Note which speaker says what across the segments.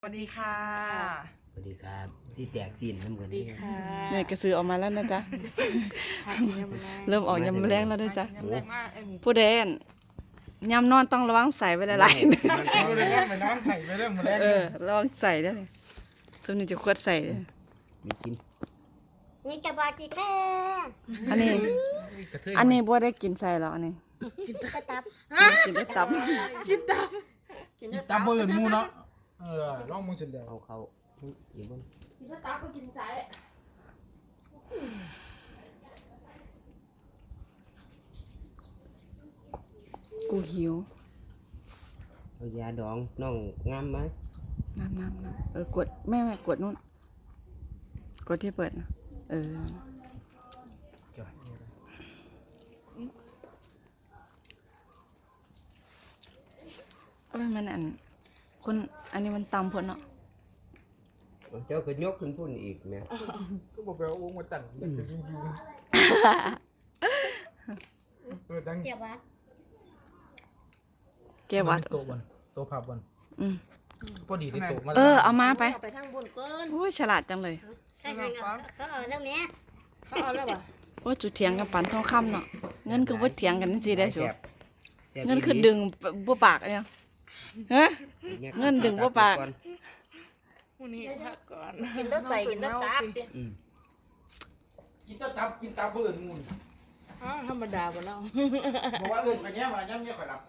Speaker 1: สวัสดีค่ะ
Speaker 2: สวัสดีครับสีแตกสีนน้ำกันนี่
Speaker 3: เนี่ยกระสือออกมาแล้วนะจ๊ะ เริ่มออกยำแรงแล้วด้วยจ้ะผู้เด่นยำนอนต้องระวังใส่ไว้หลายๆ
Speaker 1: เอาเลยว่าไปน้องใส่ไปเรื่องมาแล้ว
Speaker 3: ระวังใส่ได้เลยส่วนนี้จะควดใส่เลย
Speaker 2: มีกิน
Speaker 4: นี่จะบอกกี่แค่
Speaker 3: อันนี้บัวได้กินใส่หรออันนี้
Speaker 4: กระตับ
Speaker 3: กินได้ตับ
Speaker 1: ตามเบอร์มูเนาะลองมือเสร็จแล้ว
Speaker 2: เอาเขาอยู่บน
Speaker 3: กูหิว
Speaker 2: เอายาดองน้องงามไหม
Speaker 3: น้ำกดแม่กดนู่นกดที่เปิดนะมันคนอันนี้มันตำพ้นเนาะ
Speaker 2: เจ้าก็ยกขึ้นพุ่นอีกแม่
Speaker 1: ก็บอกไปเอาอุ้งมาตั้งอยากจะยุ่งตั้ง
Speaker 4: เจียววัด
Speaker 3: แกวัด
Speaker 1: โต๊ะบนโต๊ะผับวันพอดีได้โต๊ะมา
Speaker 3: เอามาไป
Speaker 4: เอาไปทางบนก้น
Speaker 3: โอ้ยฉลาดจังเลย
Speaker 4: ใช่ไหมเขาเอาแล้วเนี้ย
Speaker 3: โอ้ยจุดเถียงกับปันทองคำเนาะเงินคือว่าเถียงกันนั่นสิได้สู
Speaker 2: แซ่บ
Speaker 3: เงินคือดึงบ่ปากเนี่ยฮะ เงินดึงบ่ปาก
Speaker 4: กินแล้วใส่กินแล้วตับ
Speaker 1: กินตับกินตาเบอร์มูน
Speaker 5: ธรรมดาบ่เนาะ
Speaker 1: บอกว่าเอิญคนนี้มาย่ำเนี่ยข่อยรับ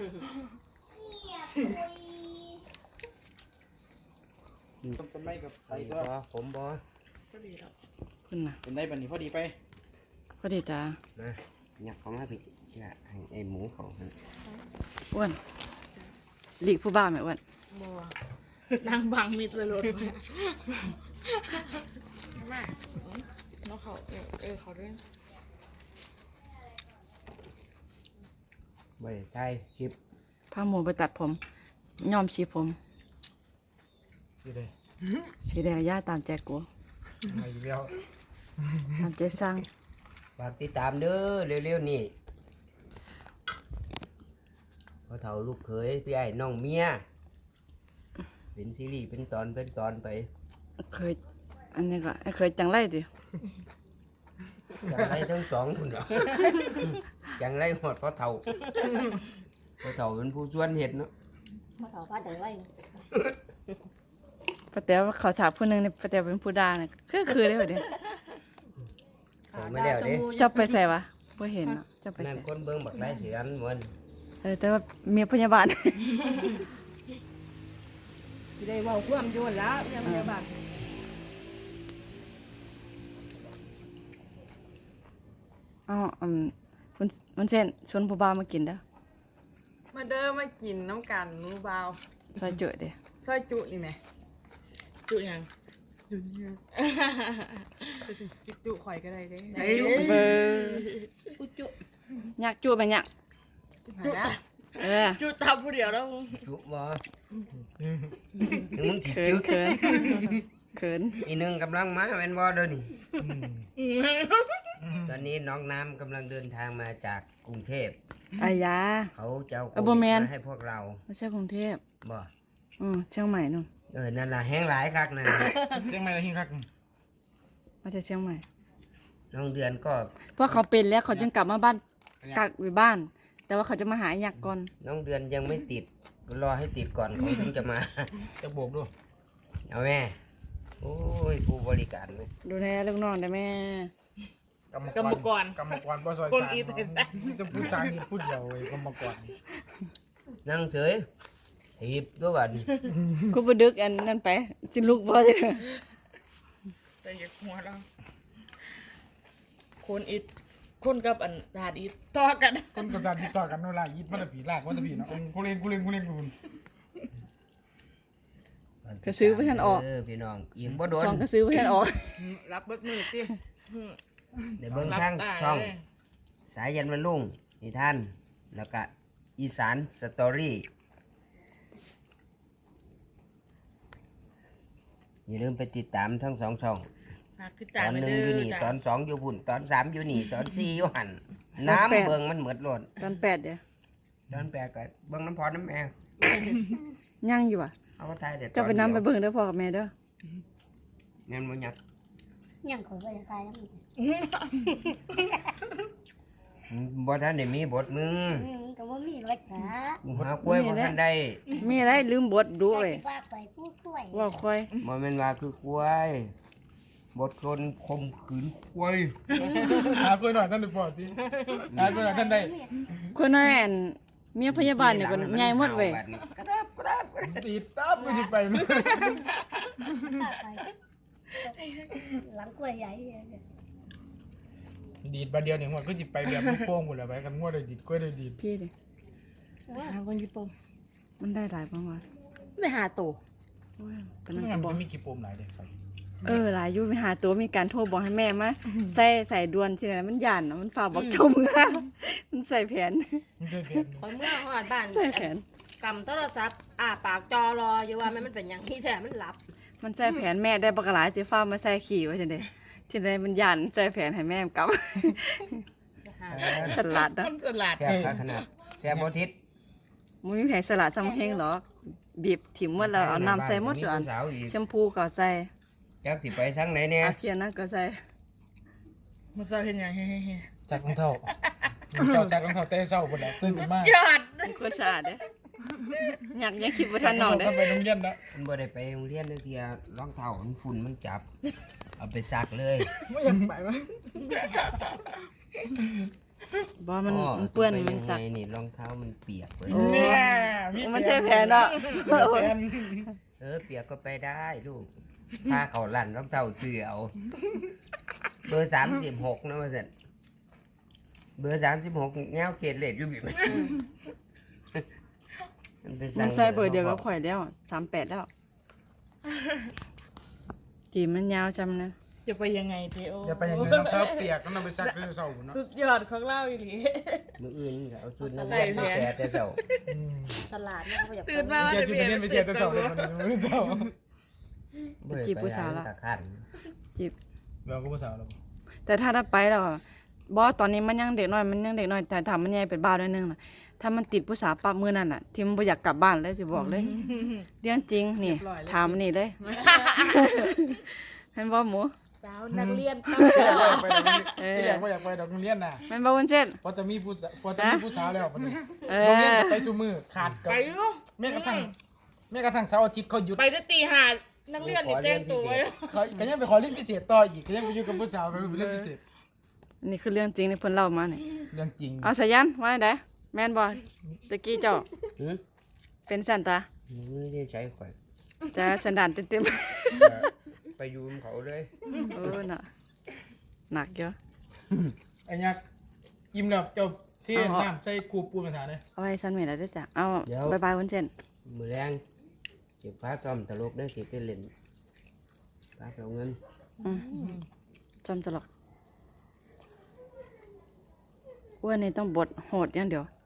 Speaker 1: ต้นไม้กับใส่ตัว
Speaker 2: ผมบอ
Speaker 3: คุณน่ะ
Speaker 1: เป็นได้บันนี้พอดีไป
Speaker 3: พอดีจ้า
Speaker 2: นะอยากเขามาผิดอยากให้ไอ้หมูเขาหั่น
Speaker 3: อ้วนหลีกผู้บ้าไหมอ้วน
Speaker 5: บ่นางบังมิดเลยรถแม่เนาะเขาเขาเรื่อง
Speaker 2: ไว้ใช่คลิป
Speaker 3: พาหมูไปตัดผมย้อมชีผม
Speaker 1: สิเลย
Speaker 3: สีแดงย่าตามใจกู
Speaker 1: มาอีกแล้ว
Speaker 3: ตามใจสร้าง
Speaker 2: ฝากติดตามเด้อเร็วๆนี่พอเฒ่าลูกเขยพี่ไอ้น้องเมียเป็นซีรีส์เป็นตอนไป
Speaker 3: เคยอันนี้ก็เคยจังไรดิ
Speaker 2: อย่างไรทั้งสองคุณเหรออย่างไรหอดพอเฒ่าเป็นผู้ชวนเห็ดเนาะ
Speaker 4: มาขอพัดเดี๋ยวไว้
Speaker 3: ป้าแต๋วเขาฉากผู้หนึงเนี่ยป้าแต๋วเป็นผู้ด่าเนี่ยคือได้เหรอเนี่ย
Speaker 2: ผมไม่แล้วเด้
Speaker 3: เจ้าไปใส่วะบ่เห็นเนาะเจ้าไป
Speaker 2: นั่น
Speaker 3: ใส่
Speaker 2: คนเบิ่งบักไรเสือนเหมือน
Speaker 3: แต่ว่าเมียพยาบาล
Speaker 5: ได้เว้าความโยนแล้วพยาบาล
Speaker 3: อ๋อมันเช่นชวนผู้บ่าวมากินเด้อ
Speaker 5: มาเด้อมากินน้ำกันหมูเบา
Speaker 3: ซอยจุเด้อ
Speaker 5: ซอยจุนี่แหมจุหยังจุเนี่ยจุข่อยก็ได้เด้
Speaker 3: เบอร์อยากจุไปอยาก
Speaker 5: จุตับผู้เดียวแล้ว
Speaker 2: จุบ่มึงสิ
Speaker 3: เขิน
Speaker 2: จุ
Speaker 3: เขินเขิน
Speaker 2: อีหนึงกำลังมาแม่นบ่เด้อนี่ตอนนี้น้องน้ำกำลังเดินทางมาจากกรุงเทพ
Speaker 3: อายา
Speaker 2: เขาจะเอาโค
Speaker 3: บ่
Speaker 2: วิด
Speaker 3: แม่น
Speaker 2: มาให้พวกเรา
Speaker 3: ไม่ใช่กรุงเทพ
Speaker 2: บ่
Speaker 3: เชียงใหม่นู่น
Speaker 2: นั่นล่ะแห้งหลายคักนั่นน่ะ
Speaker 1: เชียงใหม่ละหิ้งคัก
Speaker 3: มาจากเชียงใหม่
Speaker 2: น้องเดือนก็
Speaker 3: เพราะเขาเป็นแล้วเขาจึงกลับมาบ้านกักอยู่บ้าน แต่ว่าเขาจะมาหาอยากก่อน
Speaker 2: น้องเดือนยังไม่ติดรอให้ติดก่อนเขาถึงจะมา
Speaker 1: จะโบกด้วย
Speaker 2: เอาแม่โอ้ยผู้บริการเลย
Speaker 3: ดูแลลูกน้องได้แม่
Speaker 1: กรรมกรบ่ซอย
Speaker 5: คน
Speaker 1: สาม
Speaker 5: อีเต็ม
Speaker 1: จะพูดจางนี่พูดเดียวเว้ยกรรมกร
Speaker 2: นั่งเฉยหีบตัวบัดนี้
Speaker 3: กูไปดึกอันนั่นไปจิลุกบ่ได้
Speaker 5: แต่อย่าหัวเราคนอีคนกับอันดาดอีต่อกัน
Speaker 1: คนกับการติดต่อกันเวลายิดมันตะผีลากมันตะผีเนาะกูเล่นคุณ
Speaker 3: ก็ซื้อไว้ทันออก
Speaker 2: พี่น้องอิ่มบ่โดน
Speaker 3: ซองก็ซื้อไว้ทันออก
Speaker 5: รับเบิดมือติ
Speaker 2: เดี๋ยวเบิ่ง
Speaker 5: รับ
Speaker 2: ทาง
Speaker 5: ตา
Speaker 2: ช่อง
Speaker 5: เลย
Speaker 2: สายยันวันลุ่งนิทานแล้วก็อีสานสตอรี่อย่าลืมไปติดตามทั้งสองช่อง
Speaker 5: ฝากติด
Speaker 2: ต
Speaker 5: ตาม
Speaker 2: อน
Speaker 5: มา
Speaker 2: หนึ่
Speaker 5: เด้
Speaker 2: งอยู่นี่
Speaker 5: จ้ะ
Speaker 2: ตอนสองอยู่พุ่นตอนสามอยู่นี่ตอนสี่อยู่หันน้ำเบิ่งมันเหมือดโลด
Speaker 3: ตอน8เดี๋ยว
Speaker 2: ตอนแปดก็เบิ่งน้ำพอน้ำแม่
Speaker 3: ย่างอยู่อ่ะ
Speaker 2: เอามาถ่ายเด็ด
Speaker 3: เจ้าไปนำไปเบิ่งเด้อพ่อกับแม่เด้อ
Speaker 2: งั้นบ่ยัก
Speaker 4: ยังขอไปตายแล้วมึง
Speaker 2: บ่ทันได้มีบทมึง
Speaker 4: ก็บ่มีรักษา
Speaker 2: หากล้วยบ่ทันได้
Speaker 3: มีอะไรลืมบทดูเว้ย
Speaker 4: ว่าไปผู้ช่วย
Speaker 3: ว่าค่อย
Speaker 2: บ่แม่นว่าคือกล้วย บทคนข่มขืนกล้วย
Speaker 1: หาคุยหน่อยท่านได้ปอดทีหาคุยหน่อยท่านได้
Speaker 3: คนนั้นอันเมียพยาบาลนี่ก็ใหญ่หมดเว้ย
Speaker 2: กระดับกระดับ
Speaker 1: ตีตับก็จะไปมั้ย
Speaker 4: หลังกล้วยใหญ่
Speaker 1: ดีดบาเดียวเนี่ยหัวก็จะไปแบบลูกโป่งหมดแล้วไปกันงัวเลยดีดกล้วยเลยดีด
Speaker 3: พี่ดิ
Speaker 5: หาคนญี่ปุ่น
Speaker 3: มันได้หลายประมาณ
Speaker 5: ไม่หาตัว
Speaker 3: โอ้ยปานนั้น
Speaker 1: งั้
Speaker 3: ก็
Speaker 1: น
Speaker 3: บ
Speaker 1: มั
Speaker 3: อน ก
Speaker 1: จะมีกี่ปมหลายเด็กไป
Speaker 3: หลายอยู่ไปหาตัวมีการโทรบอกให้แม่มาใส่ดวนทีนั้นมันย่านน่ะมันฝากบอกชมนะมันใส่แผน
Speaker 1: มันเจอแผน
Speaker 5: พอเมื่อหอดบ้าน
Speaker 3: ใส่แผน
Speaker 5: กำโทรศัพท์ปากจอรออยู่ว่ามันเป็นอย่างนี้แต่มันหลับ
Speaker 3: มันใส่แผนแม่ได้บักหลายสิฟ้ามาใส่ขี่ไว้จังได๋ทีนั้นมันย่านใส่แผนให้แม่กลับสลัดเนาะ
Speaker 5: มันสลัด
Speaker 2: แซ่บขนาดแซ่บบ่ทิศ
Speaker 3: มึงมีแผนสลัดซ้ำเฮงหรอกบีบถิ่มหมดแล้วเอาน้ำใส่หมดส่วน
Speaker 2: สาวอีก
Speaker 3: แชมพูก็ใส่
Speaker 2: จักสิไปทางไหนเนี่ย
Speaker 3: อาเคียนนะก็ใส่
Speaker 5: มันจะเป็นยังไง
Speaker 1: จักรองเท้าเจ้าจักรองเท้าเต้เศร้าหมดแล้วตื่นขึ้นมาย
Speaker 5: อด
Speaker 3: คนสะอาดเด้อยากยังคิดบ่ทันน้องเด้
Speaker 1: ไปโรงเรียนแล้ว
Speaker 2: มันบ่ได้ไปโรงเรียนเด้อเที่ยรองเท้ามันฝุ่นมันจับ เอาไปซักเลย
Speaker 5: ไม่อยากไปวะ
Speaker 3: บ่มันเปื้อน
Speaker 2: ไป
Speaker 3: มัน
Speaker 2: ยัง
Speaker 3: สัก
Speaker 2: ไงนี่รองเท้ามันเปียกเลย
Speaker 1: เนี่ย
Speaker 3: มันใช่แผนเนาะ
Speaker 1: แผน
Speaker 2: เปียกก็ไปได้ลูกถ้าเขาลั่นรองเท้าเสื้อเอาเบอร์36นะว่าซั่นเบอร์36แนวเขตเลดอยู่บิมันไป
Speaker 3: มันใส่เบอร์เดียวกับข่อยแล้ว38แล้วจีมันยาวจำนะ
Speaker 5: จะไปยังไงเทโอ
Speaker 1: จะไปยังไงรองเท้าเปียกต้องเอาไปซักเต้เศร้าเนาะ
Speaker 5: สุดยอดของเราอีหลี
Speaker 2: มื้ออื่นก็เอาชุดนัก
Speaker 5: ใส่
Speaker 2: เรียน
Speaker 5: แผน
Speaker 2: ไปแช่แต่เช้า
Speaker 5: สลัดเนี่ยเขาอยาก
Speaker 4: ตื่นมา
Speaker 1: เจ้าชิบเป็นไปเชียร์เต้เศร้าเลยมันเจ้า
Speaker 2: บ่ได้
Speaker 3: จีบผู้สาวละ
Speaker 2: ตะคัน
Speaker 1: เราก็ผู้สาวเรา
Speaker 3: แต่ถ้าไปแล้วบอตอนนี้มันยังเด็กน้อยแต่ถ้ามันใหญ่เป็นบ้าด้วยนึงน่ะถ้ามันติดผู้สาวปั๊บมื้อนั้นน่ะที่มันบ่อยากกลับบ้านเลยสิบอกเลยเรื่องจริงนี่ถามมันนี่เลยเห็นบ่หมู
Speaker 5: สาวนักเรียนต้อง
Speaker 1: ไปที่แรกว่าอยากไปดอกโรงเรียนน่ะ
Speaker 3: แม่นบ่วุ้นเส้น
Speaker 1: พอจะมีผู้สาวแล้วมัน
Speaker 3: เอ
Speaker 1: โรงเรียน
Speaker 3: อ
Speaker 1: ไปสู่มือขาดกับ
Speaker 5: ไปอยู่
Speaker 1: แม้กระทั่งเสาร์อาทิตย์เขาหยุด
Speaker 5: ไปจะตีหานักเรียนนี่แจ้งตัวไว้แล้ว
Speaker 1: เขาก็ยังไปขอเรียนพิเศษต่ออีกก็ยังไปอยู่กับผู้สาวไปเรียนพิเศษ
Speaker 3: นี่คือเรื่องจริงที่เพิ่นเล่ามานี่
Speaker 1: เรื่องจริง
Speaker 3: เอาสายันว่าไดแม่นบ่ตะกี้เจ้า
Speaker 2: หือ
Speaker 3: เป็นสันตา
Speaker 2: ไม่ได้ใช้ข่อย
Speaker 3: จะสันดานเต็ม
Speaker 2: ไปอยูมเขาเลย
Speaker 3: ๆโอ้น่ะหนักเยอะ
Speaker 1: ไอ้ยักษ์ยิ้มแล้วเจ้าเที่น้ำใส่กูปูนภาษาเนี่ย
Speaker 3: เอาไว้สันเมแล้วเด้อจ้ะเอาบ๊ายบายวุ้นเส้น
Speaker 2: มือแรงเก็บฟ้าซ่อมตลกได้เก็บไปเล่นฟ้าเอาเงิน
Speaker 3: จำตลอดอ้วนนี่ต้องบทโหดอย่างเดียว